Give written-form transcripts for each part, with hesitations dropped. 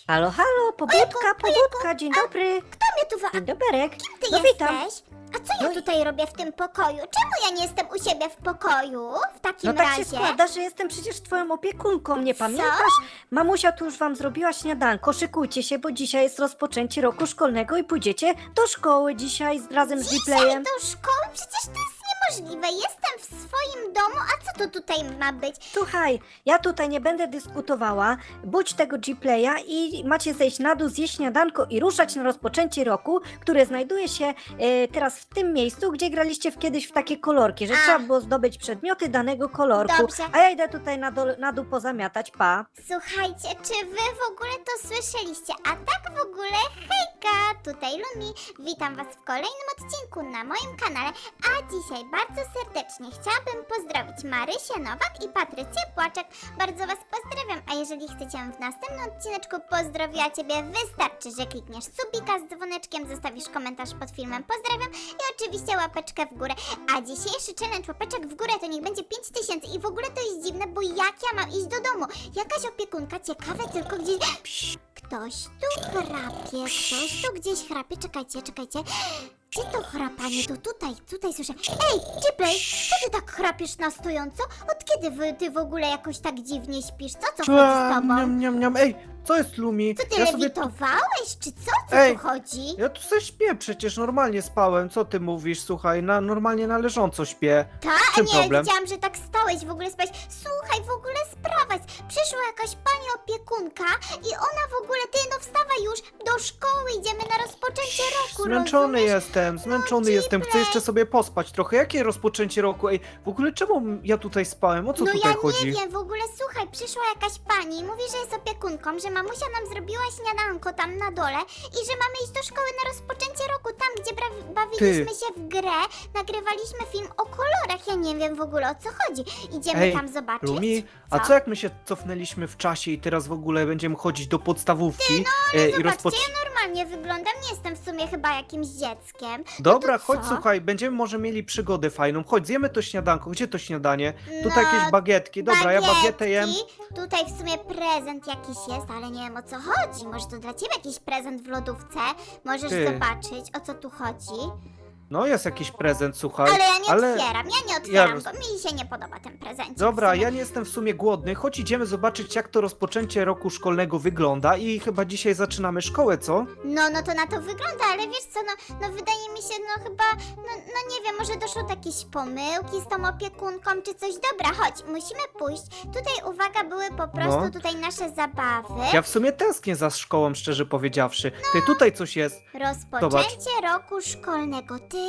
Halo, halo, pobudka, dzień dobry. Kto mnie tu Dzień doberek. Ty No witam. jesteś? A co ja tutaj robię w tym pokoju? Czemu ja nie jestem u siebie w pokoju? W takim No tak razie. się składa, że jestem przecież twoją opiekunką, nie pamiętasz? Mamusia tu już wam zrobiła śniadanko, szykujcie się, bo dzisiaj jest rozpoczęcie roku szkolnego i pójdziecie do szkoły dzisiaj razem z Dzisiaj Gplayem. do szkoły? Przecież to jest niemożliwe. Jestem w swoim domu, a co to tutaj ma być? Słuchaj, ja tutaj nie będę dyskutowała, budź tego Gplaya i macie zejść na dół, zjeść śniadanko i ruszać na rozpoczęcie roku, które znajduje się teraz w tym miejscu, gdzie graliście kiedyś w takie kolorki, że A. trzeba było zdobyć przedmioty danego kolorku. Dobrze. A ja idę tutaj na dół pozamiatać, pa. Słuchajcie, czy wy w ogóle to słyszeliście? A tak w ogóle, hejka, tutaj Lumi. Witam was w kolejnym odcinku na moim kanale, a dzisiaj bardzo serdecznie chciałabym pozdrowić Marysię Nowak i Patrycję Płaczek. Bardzo was pozdrawiam, a jeżeli chcecie w następnym odcineczku pozdrowiła ciebie, wystarczy, że klikniesz subika z dzwoneczkiem, zostawisz komentarz pod filmem, pozdrawiam i oczywiście łapeczkę w górę. A dzisiejszy challenge łapeczek w górę to niech będzie 5000 i w ogóle to jest dziwne, bo jak ja mam iść do domu? Jakaś opiekunka, ciekawe tylko gdzieś... Ktoś tu chrapie, ktoś tu gdzieś chrapie, czekajcie. Gdzie to chrapanie? To tutaj słyszę. Ej, Gplay, co ty tak chrapiesz na stojąco? Od kiedy ty w ogóle jakoś tak dziwnie śpisz? Co chodzi z tobą? Niam. Ej, co jest Lumi? Co ty Ja sobie... lewitowałeś, czy co? Co Ej, tu chodzi? Ja tu sobie śpię, przecież normalnie spałem. Co ty mówisz? Słuchaj, normalnie na leżąco śpię. Tak, czym nie, problem? widziałam, że tak stałeś, w ogóle spałeś. Słuchaj, w ogóle sprawa jest. Przyszła jakaś pani opiekunka i ona w ogóle, ty no wstawaj już, do szkoły idziemy na rozpoczęcie roku, Zmęczony rozumiesz? jestem, zmęczony jestem. Chcę Gplay. jeszcze sobie pospać trochę. Jakie rozpoczęcie roku? Ej, w ogóle czemu ja tutaj spałem? O co No tutaj ja chodzi? nie wiem, w ogóle słuchaj, przyszła jakaś pani i mówi, że jest opiekunką, że mamusia nam zrobiła śniadanko tam na dole i że mamy iść do szkoły na rozpoczęcie roku, tam gdzie bawiliśmy się w grę, nagrywaliśmy film o kolorach, ja nie wiem w ogóle o co chodzi. Idziemy Ej, tam zobaczyć. Lumi, a co jak my się cofnęliśmy w czasie i teraz w ogóle będziemy chodzić do podstawówki i Zobaczcie, ja normalnie wyglądam, nie jestem w sumie chyba jakimś dzieckiem. Dobra, No to chodź, co? słuchaj, będziemy może mieli przygodę fajną. Chodź, zjemy to śniadanko. Gdzie to śniadanie? Tutaj No, jakieś bagietki. Dobra, ja bagietę jem. Tutaj w sumie prezent jakiś jest, ale nie wiem o co chodzi. Może to dla ciebie jakiś prezent w lodówce? Możesz Ty. zobaczyć, o co tu chodzi. No, jest jakiś prezent, słuchaj. Ale ja nie otwieram, ja nie otwieram, bo mi się nie podoba ten prezencik. Dobra, w sumie. ja nie jestem w sumie głodny. Chodź, idziemy zobaczyć, jak to rozpoczęcie roku szkolnego wygląda i chyba dzisiaj zaczynamy szkołę, co? No to na to wygląda, ale wiesz co, no wydaje mi się, no chyba, no nie wiem, może doszło do jakiejś pomyłki z tą opiekunką czy coś. Dobra, chodź, musimy pójść. Tutaj, uwaga, były po prostu No. tutaj nasze zabawy. Ja w sumie tęsknię za szkołą, szczerze powiedziawszy. Ty, tutaj coś jest. Rozpoczęcie roku szkolnego. Ty,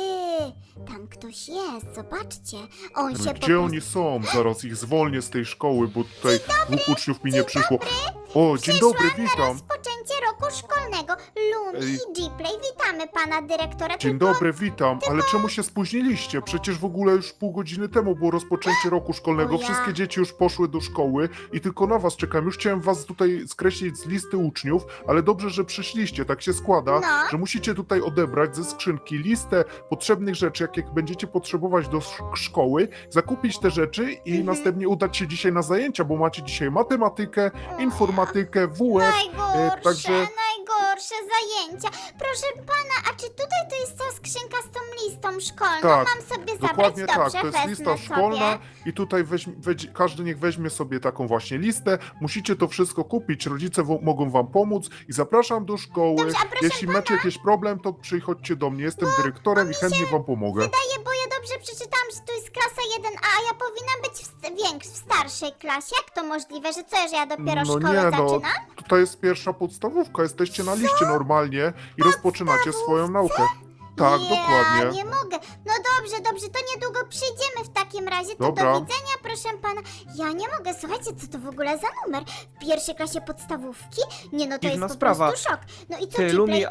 tam ktoś jest, zobaczcie. On się po Gdzie prostu... oni są? Zaraz ich zwolnię z tej szkoły, bo tutaj dwóch uczniów mi nie przyszło. O, dzień dobry, Przyszłam na witam. rozpoczęcie roku szkolnego. Lumi Ej. i Gplay, witamy pana dyrektora. Dzień Tylko dobry, witam. Ale czemu się spóźniliście? Przecież w ogóle już pół godziny temu było rozpoczęcie roku szkolnego. O ja. Wszystkie dzieci już poszły do szkoły i tylko na was czekam. Już chciałem was tutaj skreślić z listy uczniów, ale dobrze, że przyszliście. Tak się składa, No. że musicie tutaj odebrać ze skrzynki listę potrzebnych rzeczy, jakie będziecie potrzebować do szkoły, zakupić te rzeczy i następnie udać się dzisiaj na zajęcia, bo macie dzisiaj matematykę, informatykę, WF. Najgorsze, także- najgorsze zajęcia. Proszę pana, a czy tutaj to jest ta skrzynka z tą listą szkolną? Tak, Mam sobie zabrać? Dokładnie Dobrze, tak, to jest wezmę lista szkolna sobie. i tutaj każdy niech weźmie sobie taką właśnie listę. Musicie to wszystko kupić, rodzice mogą wam pomóc i zapraszam do szkoły. Dobrze, a proszę Jeśli macie jakiś problem, to przychodźcie do mnie, jestem dyrektorem i chętnie wam pomogę. Wydaje, bo ja dobrze przeczytałam, że to jest klasa 1A, a ja powinnam być w starszej klasie. Jak to możliwe, że co, że ja dopiero szkołę zaczynam? tutaj jest pierwsza podstawówka, jesteście na liście normalnie i rozpoczynacie swoją naukę. Tak, ja dokładnie. nie mogę. No dobrze, to niedługo przyjdziemy w takim razie. To Dobra. do widzenia, proszę pana. Ja nie mogę, słuchajcie, co to w ogóle za numer? W pierwszej klasie podstawówki? Nie, no to Dziwna jest po sprawa. prostu szok. No i co, Ty, Gplay? Lumi,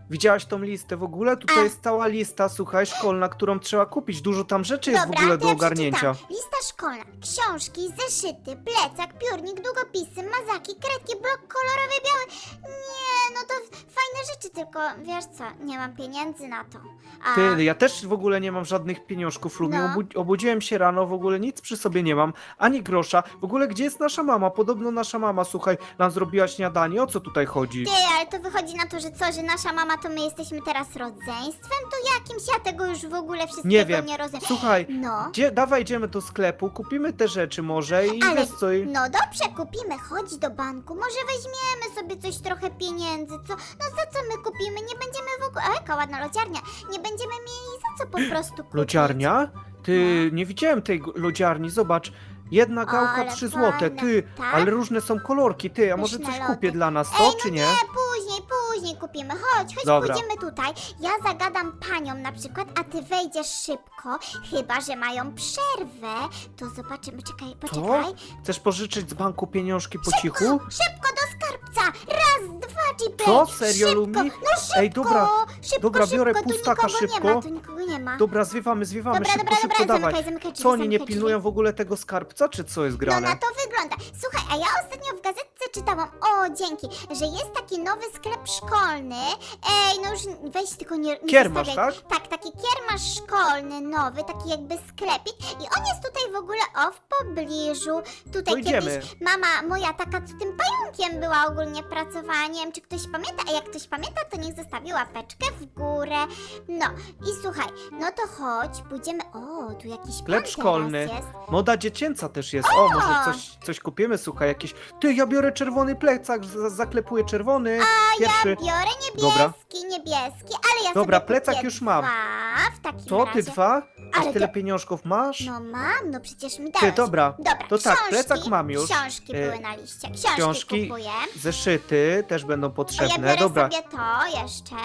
Widziałaś tą listę w ogóle? Tutaj A. jest cała lista, słuchaj, szkolna, którą trzeba kupić. Dużo tam rzeczy jest w Dobra, ogóle to do ja ogarnięcia. przeczytam. Lista szkolna, książki, zeszyty, plecak, piórnik, długopisy, mazaki, kredki, blok kolorowy, biały. Nie, no to fajne rzeczy, tylko wiesz co, nie mam pieniędzy na to. A, Ty, ja też w ogóle nie mam żadnych pieniążków, Lumi. No. Obudziłem się rano, w ogóle nic przy sobie nie mam, ani grosza. W ogóle gdzie jest nasza mama? Podobno nasza mama, słuchaj, nam zrobiła śniadanie. O co tutaj chodzi? ty, ale to wychodzi na to, że co, że nasza mama to my jesteśmy teraz rodzeństwem? To jakimś ja tego już w ogóle wszystkiego Nie wiem. nie rozumiem. Słuchaj, No. dawaj idziemy do sklepu, kupimy te rzeczy może i Ale, wiesz co... no dobrze, kupimy, chodź do banku, może weźmiemy sobie coś trochę pieniędzy, co? No za co my kupimy? Nie będziemy w ogóle, o jaka ładna lodziarnia, nie będziemy mieli za co po prostu kupić. Lodziarnia? Ty, nie widziałem tej lodziarni, zobacz. Jedna gałka Ale 3 złote, fajne, ty, tak? ale różne są kolorki, ty, a może Pyszne coś lody. kupię dla nas, Ej, co, no czy nie? nie, później kupimy, chodź, Dobra. pójdziemy tutaj, ja zagadam paniom na przykład, a ty wejdziesz szybko, chyba, że mają przerwę, to zobaczymy, czekaj, poczekaj. Chcesz pożyczyć z banku pieniążki po cichu? Szybko do skarbca, raz, dwa, G-Play, Co? Serio, szybko, Lumi? no szybko, Ej, dobra, szybko, dobra, biorę szybko, pustaka tu nikogo szybko. nie ma, tu nikogo nie ma. Dobra, zwiewamy, Dobra, szybko, dawaj. zamykaj drzwi, Co, oni nie zamykaj pilnują drzwi. w ogóle tego skarbca, czy co jest No grane? na to wygląda. Słuchaj, a ja ostatnio w gazetce czytałam, o dzięki, że jest taki nowy sklep szkolny. Ej, no już weź tylko nie Kiermasz, zostawiaj. tak? Tak, taki kiermasz szkolny, nowy, taki jakby sklepik. I on jest tutaj w ogóle, w pobliżu. To Tutaj idziemy. kiedyś mama moja taka, co tym pająkiem była ogólnie pracowała. Nie wiem, czy ktoś pamięta, a jak ktoś pamięta, to niech zostawi łapeczkę w górę. No i słuchaj, no to chodź, pójdziemy, tu jakiś Sklep pan teraz szkolny. jest. Moda dziecięca też jest. O, może coś kupimy, słuchaj, jakieś... Ty, ja biorę czerwony plecak, zaklepuję czerwony. Pierwszy. Ja biorę Dobra. niebieski, ale ja Dobra, sobie plecak kupię już mam. dwa w takim Co, razie. ty dwa? Aż Ale tyle ty- pieniążków masz? No mam, no przecież mi Ty, dałeś. dobra. Dobra, To tak, książki, plecak mam już. Książki E, były na liście, książki książki, kupuję. Zeszyty też będą A ja potrzebne. biorę Dobra. sobie to jeszcze.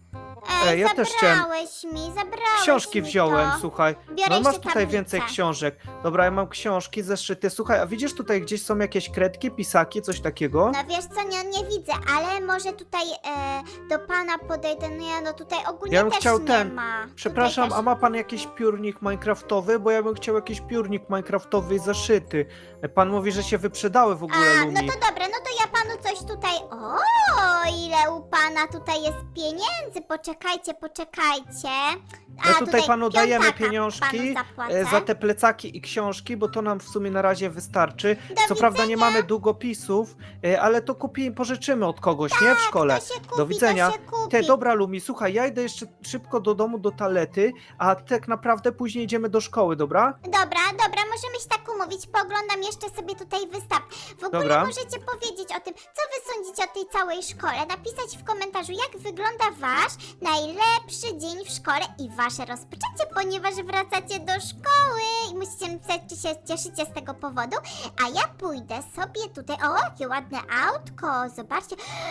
Ej, ja też chciałem- zabrałeś Książki mi wziąłem, to. słuchaj. Biorę No masz jeszcze tutaj tablicę. więcej książek. Dobra, ja mam książki, zeszyty. Słuchaj, a widzisz tutaj gdzieś są jakieś kredki, pisaki, coś takiego? No wiesz co, nie widzę, ale może tutaj do pana podejdę, no tutaj ogólnie Ja bym też chciał nie ten- ma. Tutaj Przepraszam, też a ma pan jakiś piórnik minecraftowy? Bo ja bym chciał jakiś piórnik minecraftowy i zeszyty. Pan mówi, że się wyprzedały w ogóle, no Lumi. to dobra, no to ja panu coś tutaj... O, ile u pana tutaj jest pieniędzy, poczekajcie. My tutaj panu dajemy piątaka pieniążki panu zapłacę. za te plecaki i książki, bo to nam w sumie na razie wystarczy. Co prawda nie mamy długopisów, ale to pożyczymy od kogoś, nie? W szkole. To się kupi, Do widzenia. To się kupi. Te, dobra Lumi, słuchaj, ja idę jeszcze szybko do domu, do toalety, a tak naprawdę później idziemy do szkoły, dobra? Dobra, możemy się tak umówić, pooglądam jeszcze sobie tutaj wystaw. W ogóle Dobra. możecie powiedzieć o tym, co wy sądzicie o tej całej szkole, napisać w komentarzu, jak wygląda wasz najlepszy dzień w szkole i wasze rozpoczęcie, ponieważ wracacie do szkoły i musicie napisać, czy się cieszycie z tego powodu, a ja pójdę sobie tutaj, jakie ładne autko, zobaczcie,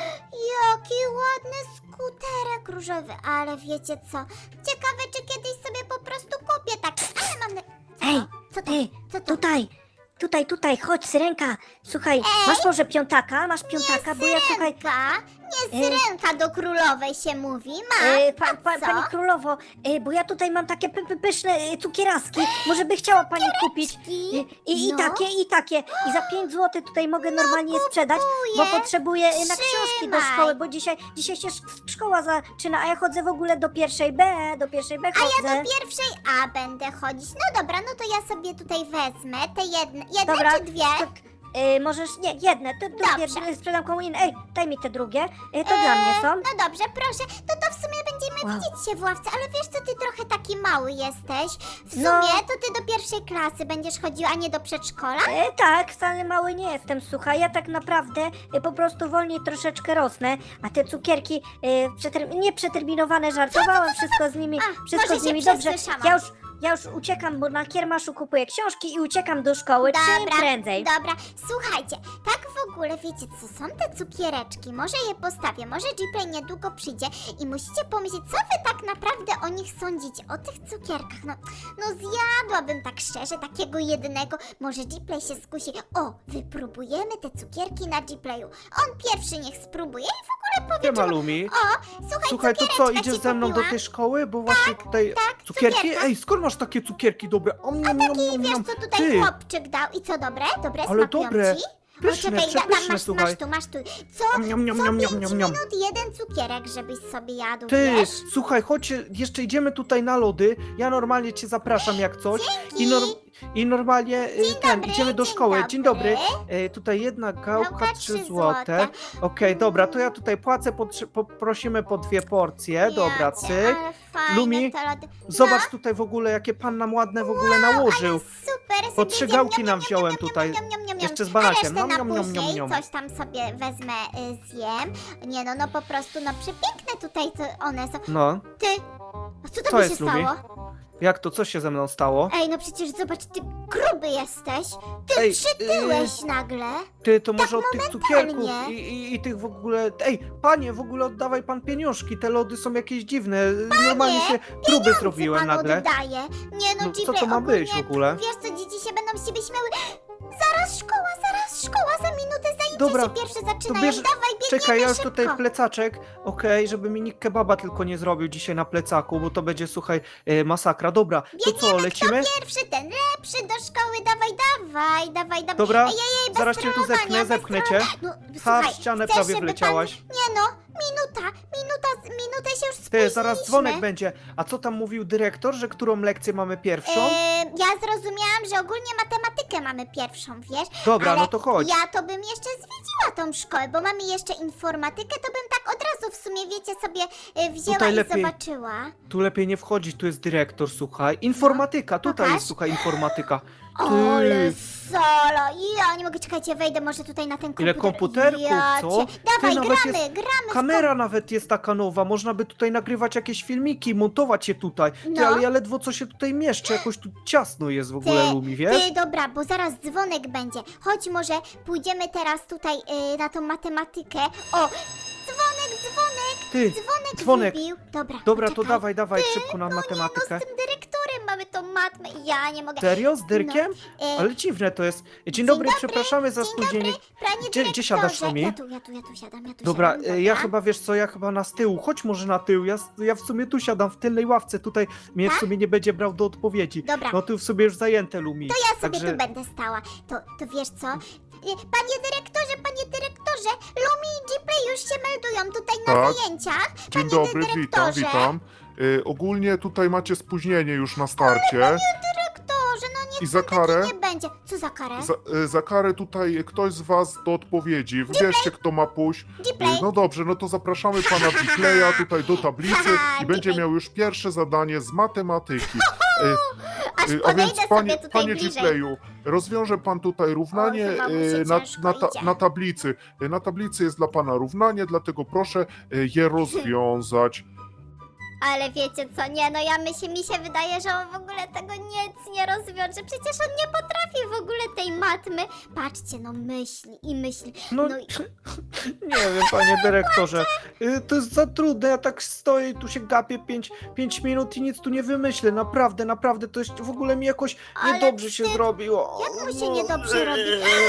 jaki ładny skuterek różowy, ale wiecie co, ciekawe, czy kiedyś sobie po prostu kupię tak, ale mam... Ej, Co to? ty, Co to? tutaj, chodź, Syrenka. Słuchaj, masz może piątaka? Masz piątaka, bo ja słuchaj... Nie syrenka do królowej się mówi, ma. Co? Pani królowo, bo ja tutaj mam takie pyszne cukieraski. Może by chciała pani kupić. I No. takie. I za 5 zł tutaj mogę normalnie je sprzedać, bo kupuję. potrzebuję na książki do Trzymaj. szkoły, bo dzisiaj się szkoła zaczyna, a ja chodzę w ogóle do pierwszej B chodzę. A ja do pierwszej A będę chodzić. No dobra, no to ja sobie tutaj wezmę te jedne Dobra, czy dwie? możesz, nie, jedne, te drugie Dobrze. sprzedam komu innej. Ej, daj mi te drugie, to dla mnie są. No dobrze, proszę. To w sumie będziemy Wow. widzieć się w ławce, ale wiesz co, ty trochę taki mały jesteś. W sumie No. to ty do pierwszej klasy będziesz chodził, a nie do przedszkola? Tak, wcale mały nie jestem, słuchaj, ja tak naprawdę po prostu wolniej troszeczkę rosnę, a te cukierki nieprzeterminowane, żartowałam, wszystko z nimi, wszystko może z się nimi dobrze. przesłyszałam. Ja już uciekam, bo na kiermaszu kupuję książki i uciekam do szkoły, czym prędzej. Dobra, słuchajcie, tak w w ogóle, wiecie co, są te cukiereczki, może je postawię, może Gplay niedługo przyjdzie i musicie pomyśleć, co wy tak naprawdę o nich sądzicie, o tych cukierkach, no zjadłabym tak szczerze takiego jednego, może Gplay się skusi, o, wypróbujemy te cukierki na Gplayu, on pierwszy niech spróbuje i w ogóle powie, Nie ma czemu- Lumi. o, słuchaj, Słuchaj, to co, cukiereczka idziesz ci ze mną do kupiłam. tej szkoły? Bo właśnie tutaj tak, cukierki? cukierka. Ej, skąd masz takie cukierki dobre? I wiesz co tutaj Ty, chłopczyk dał i co, dobre? Dobre, ale smakują dobre. ci? Pyszne, Czekaj, przepyszne, masz słuchaj. masz tu. Co? Niam, niam, Co niam, 5 niam, niam, niam. minut jeden cukierek, żebyś sobie jadł, Ty, wiesz? słuchaj, chodź, jeszcze idziemy tutaj na lody. Ja normalnie cię zapraszam jak coś. I normalnie dobry, idziemy do dzień szkoły. dobry. Dzień dobry. Tutaj jedna gałka, Gałka, 3 3 złote. Okej, dobra, to ja tutaj płacę, poprosimy po 2 porcje. Dobra, Jacie, cyk. ale fajne Lumi, te lody. Zobacz tutaj w ogóle, jakie pan nam ładne w ogóle nałożył. Ale super, Po sobie 3 zjem, gałki niam, nam niam, wziąłem niam, tutaj. niam, niam, niam, Jeszcze z A banakiem. resztę Nom, na nom, nom, później, nom, nom. coś tam sobie wezmę, zjem. Nie no po prostu, przepiękne tutaj to one są. No, Ty, a co Co tobie się jest, Lumi? stało? jak to, co się ze mną stało? Ej, no przecież zobacz, ty gruby jesteś. Ty Ej, przytyłeś nagle. Ty, to może od tych cukierków momentalnie. i tych w ogóle... Ej, panie, w ogóle oddawaj pan pieniążki, te lody są jakieś dziwne. Normalnie się próby zrobiłem Pan nagle. oddaje. Nie no, No, co Gplay, to ma być ogólnie, w ogóle? Wiesz co, dzieci się będą z ciebie śmiały. Zaraz szkoła, za minutę zajęcia Dobra, się pierwsze zaczynają. bierz- Dawaj, biegniemy Czekaj, ja już szybko. tutaj plecaczek, okej, żeby mi nikt kebaba tylko nie zrobił dzisiaj na plecaku, bo to będzie, słuchaj, masakra. Dobra, to co, lecimy? Pierwszy, ten lepszy do szkoły, dawaj. Dobra, bez zaraz cię tu trollowania, zepnę, bez zepchnę cię. No, Ha, słuchaj, w ścianę chcesz, prawie żeby wleciałaś. Nie no, minutę się już Ty, spóźniliśmy. zaraz dzwonek będzie. A co tam mówił dyrektor, że którą lekcję mamy pierwszą? Ja zrozumiałam, że ogólnie matematykę mamy pierwszą, wiesz? Dobra, ale no to chodź. Ja to bym jeszcze zwiedziła tą szkołę, bo mamy jeszcze informatykę, to bym tak od razu w sumie, wiecie, sobie wzięła Tutaj i lepiej. zobaczyła. Tu lepiej nie wchodzić, tu jest dyrektor, słuchaj. Informatyka, tutaj pokaż. jest, słuchaj, informatyka. Ale solo! Ja nie mogę, czekajcie, wejdę może tutaj na ten komputer. Ile komputerków, co? Dawaj, Ty, nawet gramy, jest gramy. Kamera nawet jest taka nowa, można by tutaj nagrywać jakieś filmiki, montować je tutaj. Ty, No. ale ja ledwo co się tutaj mieszczę, jakoś tu ciasno jest w ogóle, Lumi, wiesz? Ty, dobra, bo zaraz dzwonek będzie. Chodź, może pójdziemy teraz tutaj na tą matematykę. O, Ty, dzwonek dzwonek. wybił. Dobra, to poczekaj. dawaj szybko na No matematykę. z tym dyrektorem mamy tą matmę i ja nie mogę. Serio? Z Dyrkiem? E, Ale dziwne to jest. Dzień dobry, dobry, przepraszamy za dzień spóźnienie. Panie Gdzie siadasz, dyrektorze. Lumi? Ja tu siadam, Dobra, siadam, ja chyba, wiesz co, ja chyba na z tyłu. Chodź może na tył, ja w sumie tu siadam, w tylnej ławce, tutaj mnie w Tak? sumie nie będzie brał do odpowiedzi. Dobra. No tu w sobie już zajęte, Lumi. To ja sobie Także... tu będę stała. To wiesz co? Panie dyrektorze, Lumi i Gplay już się meldują tutaj na Tak. zajęciach. Dzień Panie dobry, witam. dyrektorze. Ogólnie tutaj macie spóźnienie już na starcie. Dyrektorze, no niech I za pan taki karę? nie będzie. Co za karę? Za karę tutaj ktoś z was do odpowiedzi. Wybierzcie, kto ma pójść. Gplay. No dobrze, no to zapraszamy pana Gplaya tutaj do tablicy Haha, i będzie Gplay. miał już pierwsze zadanie z matematyki. Aż A podejdę więc sobie tutaj panie bliżej. Gplayu, rozwiąże pan tutaj równanie O, chyba mu się ciężko idzie. na tablicy. Na tablicy jest dla pana równanie, dlatego proszę je rozwiązać. Ale wiecie co, nie, no mi się wydaje, że on w ogóle tego nic nie rozwiąże. Przecież on nie potrafi w ogóle tej matmy. Patrzcie, no myśli i myśli. No, No i- nie wiem, panie dyrektorze. To jest za trudne, ja tak stoję i tu się gapię 5 minut i nic tu nie wymyślę. Naprawdę, to jest w ogóle mi jakoś Ale niedobrze się wstyd. zrobiło. Jak mu się niedobrze robi?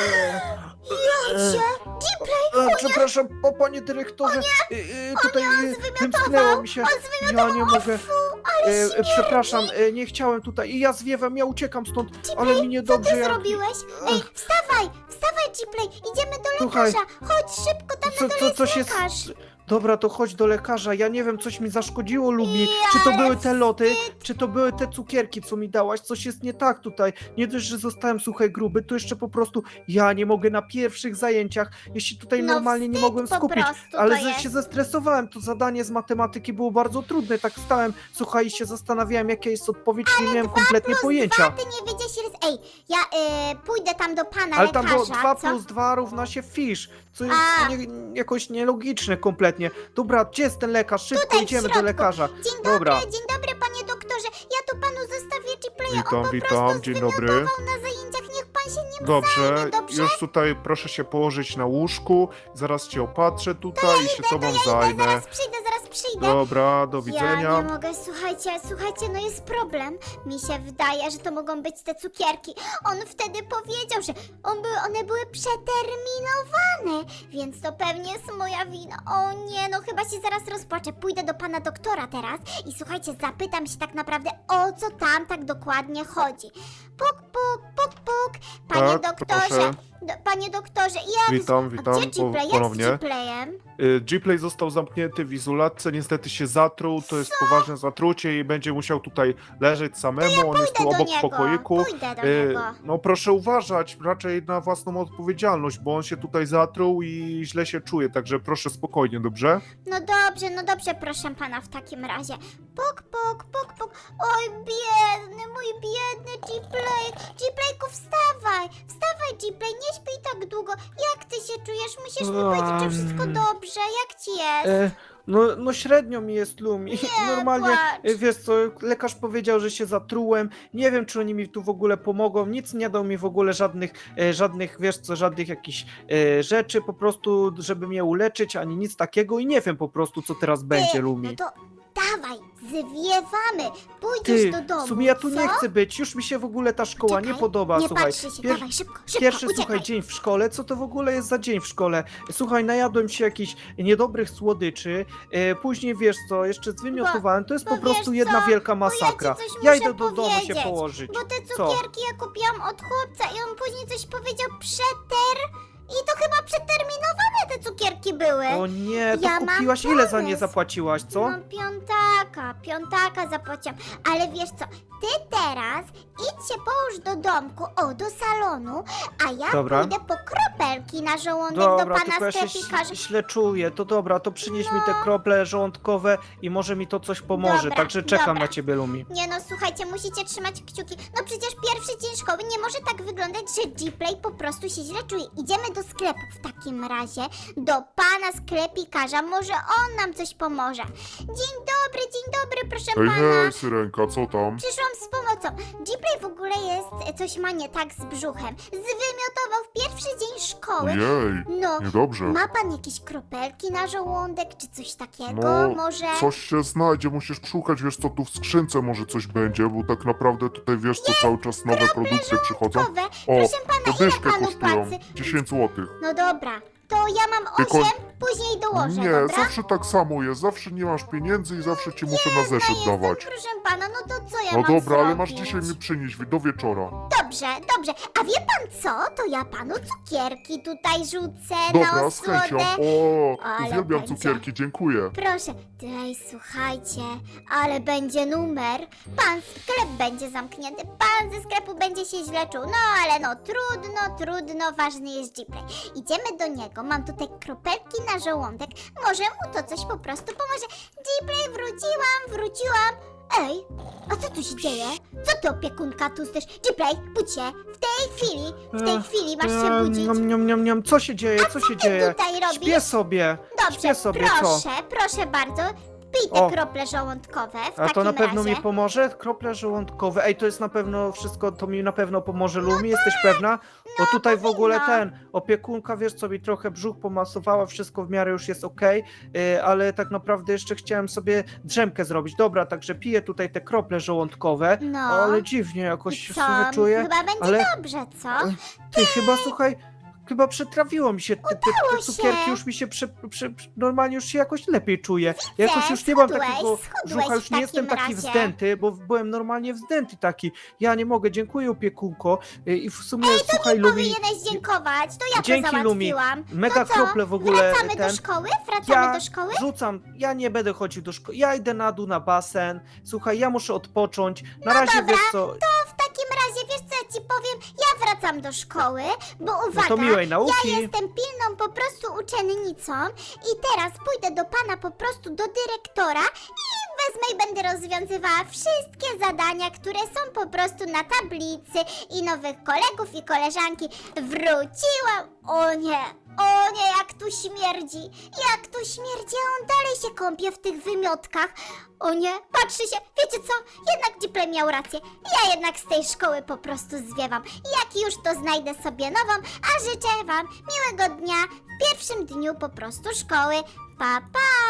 Jacie! Przepraszam, panie dyrektorze, tutaj wymknęło mi się. Ja nie mogę. Przepraszam, nie chciałem tutaj. I ja zwiewam, ja uciekam stąd, ale mi Co niedobrze. ty jak- zrobiłeś? Ej, wstawaj, Gplay, idziemy do Słuchaj, lekarza. Chodź szybko, tam na dole jest coś lekarz. Dobra, to chodź do lekarza. Ja nie wiem, coś mi zaszkodziło, Lumi. Ja, Czy to ale były te loty, czy to były te cukierki, co mi dałaś? Coś jest nie tak tutaj. Nie dość, że zostałem, słuchaj, gruby, to jeszcze po prostu ja nie mogę na pierwszych zajęciach. Jeśli tutaj No normalnie nie wstyd mogłem po skupić, prostu ale to jest. się zestresowałem. To zadanie z matematyki było bardzo trudne. Tak stałem, słuchaj, i się zastanawiałem, jaka jest odpowiedź. Nie miałem kompletnie pojęcia. Ty nie wiedziałeś, ile... Ej, ja pójdę tam do pana Ale tam było lekarza, 2 co? plus 2 równa się fisz, co jest A. jakoś nielogiczne kompletnie. Dobra, gdzie jest ten lekarz? Szybko Tutaj w idziemy do środku. lekarza. Dzień Dobra. dzień dobry, panie doktorze. Ja tu panu zostawię Gplaya. Witam, On po witam, prostu dzień zwymiotował dobry. na zajęciach. Niech pan się Dobrze, zajmę, dobrze? już tutaj proszę się położyć na łóżku, zaraz cię opatrzę tutaj i się tobą zajmę. Zaraz przyjdę, zaraz przyjdę. Dobra, do Ja widzenia. nie mogę, słuchajcie, no jest problem. Mi się wydaje, że to mogą być te cukierki. On wtedy powiedział, że one były przeterminowane, więc to pewnie jest moja wina. O nie, no chyba się zaraz rozpłaczę. Pójdę do pana doktora teraz i słuchajcie, zapytam się tak naprawdę, o co tam tak dokładnie chodzi. Puk, puk, puk, puk. Panie Tak, doktorze, proszę. panie doktorze, jak... Witam, A witam gdzie Gplay? Jak z ponownie. Gplayem? Gplay został zamknięty w izolatce, niestety się zatruł, to jest poważne zatrucie i będzie musiał tutaj leżeć samemu, on jest tu Pójdę do obok w niego, pokoiku. pójdę do Y, niego. No proszę uważać raczej na własną odpowiedzialność, bo on się tutaj zatruł i źle się czuje, także proszę spokojnie, dobrze? No dobrze, proszę pana w takim razie. Puk, puk, puk, puk. Oj, biedny, mój biedny Gplay. Gplayku, wstawaj, Gplay, nie śpij tak długo. Jak ty się czujesz? Musisz mi powiedzieć, czy wszystko dobrze. Jak ci jest? No średnio mi jest, Lumi. Normalnie, płacz. wiesz co, lekarz powiedział, że się zatrułem. Nie wiem, czy oni mi tu w ogóle pomogą. Nic nie dał mi w ogóle żadnych, wiesz co, żadnych jakichś rzeczy po prostu, żeby mnie uleczyć, ani nic takiego i nie wiem po prostu, co teraz będzie, Lumi. No to dawaj, zwiewamy. Pójdziesz Ty, do domu, w sumie ja tu co? nie chcę być, już mi się w ogóle ta szkoła nie Czekaj, podoba, nie słuchaj. patrzy się, dawaj, szybko, Pierwszy, uciekaj. słuchaj, dzień w szkole, co to w ogóle jest za dzień w szkole? Słuchaj, najadłem się jakichś niedobrych słodyczy, później wiesz co, jeszcze zwymiotowałem, to jest bo po prostu wiesz jedna co, wielka bo ja ci masakra. coś Ja muszę idę do domu się powiedzieć, położyć. Bo te Co? cukierki ja kupiłam od chłopca i on później coś powiedział i to chyba przeterminowane te cukierki były. O nie, to Ja mam kupiłaś, ile za nie pomysł. zapłaciłaś, co? No piątaka zapłaciłam. Ale wiesz co, ty teraz idź się połóż do domku, do salonu, a ja Dobra. pójdę po kropelki na żołądek do Dobra, pana tylko ja się sklepikarza. źle czuję, to dobra, to przynieś mi te krople żołądkowe i może mi to coś pomoże, Dobra, także czekam dobra. na ciebie, Lumi. Nie no, słuchajcie, musicie trzymać kciuki. No przecież pierwszy dzień szkoły nie może tak wyglądać, że Gplay po prostu się źle czuje. Idziemy do sklepu w takim razie, do pana sklepikarza. Może on nam coś pomoże. Dzień dobry, proszę Hej, pana. hej, Syrenka, co tam? Przyszłam z pomocą. Gplay w ogóle jest, coś ma nie tak z brzuchem. Zwymiotował w pierwszy dzień szkoły. Ojej, No, niedobrze. ma pan jakieś kropelki na żołądek, czy coś takiego? No, Może... coś się znajdzie, musisz szukać, wiesz co, tu w skrzynce może coś będzie, bo tak naprawdę tutaj, wiesz co, cały czas nowe produkcje przychodzą. Kowe. O, Proszę pana, to ile dyszkę panu kosztują, płacy? 10 zł. No dobra, to ja mam 8, Tylko- później dołożę, Nie, dobra? zawsze tak samo jest, zawsze nie masz pieniędzy i zawsze ci muszę na zeszyt Jestem, dawać. proszę pana, no to co ja No mam dobra, ale masz zrobić? dzisiaj mi przynieść do wieczora. Dobrze, a wie pan co? To ja panu cukierki tutaj rzucę na Dobra, z chęcią. osłodę. O, Ale uwielbiam będzie. cukierki, dziękuję. Proszę, słuchajcie, ale będzie numer. Pan sklep będzie zamknięty, pan ze sklepu będzie się źle czuł. No ale no, trudno, ważny jest Gplay. Idziemy do niego, mam tutaj kropelki na żołądek, może mu to coś po prostu pomoże. Gplay, wróciłam. Ej, a co tu się dzieje? Co ty, opiekunka, tu chcesz? Gplay, budź się, w tej chwili masz się budzić. Niam, co się dzieje, co się Ty dzieje? tutaj robisz? Śpię sobie, Dobrze, śpię sobie, co? proszę bardzo. Pij te O. krople żołądkowe w A to takim na pewno razie. mi pomoże? Krople żołądkowe. Ej, to jest na pewno wszystko, to mi na pewno pomoże, Lumi, jesteś pewna? Bo tutaj w ogóle powinno. opiekunka, wiesz co, mi trochę brzuch pomasowała, wszystko w miarę już jest okej, ale tak naprawdę jeszcze chciałem sobie drzemkę zrobić. Dobra, także piję tutaj te krople żołądkowe, No. ale dziwnie jakoś I się co? sobie czuję. Chyba będzie ale- dobrze, co? Ty, chyba, słuchaj, chyba przetrawiło mi się, te cukierki się. już mi się, normalnie już się jakoś lepiej czuję. Jakoś już nie mam schudłeś takiego brzucha, już w nie jestem takim taki razie. wzdęty, bo byłem normalnie wzdęty taki. Ja nie mogę, dziękuję opiekунko i w sumie, słuchaj, Lumi, Powinieneś dziękować, to ja Dzięki, to Lumi. załatwiłam. mega no co? krople w ogóle Wracamy do szkoły? Wracamy do szkoły? rzucam, ja nie będę chodził do szkoły, ja idę na dół na basen, słuchaj, ja muszę odpocząć, na razie, dobra, wiesz co, W takim razie, wiesz co ja ci powiem? Ja wracam do szkoły, bo no uwaga, to miłej nauki. ja jestem pilną po prostu uczennicą i teraz pójdę do pana po prostu do dyrektora i wezmę i będę rozwiązywała wszystkie zadania, które są po prostu na tablicy i nowych kolegów i koleżanki. Wróciłam! O nie! O nie, jak tu śmierdzi. Jak tu śmierdzi, a on dalej się kąpie w tych wymiotkach. O nie, patrzy się. Wiecie co? Jednak Gplay miał rację. Ja jednak z tej szkoły po prostu zwiewam. Jak już to znajdę sobie nową, a życzę wam miłego dnia w pierwszym dniu po prostu szkoły. Pa, pa!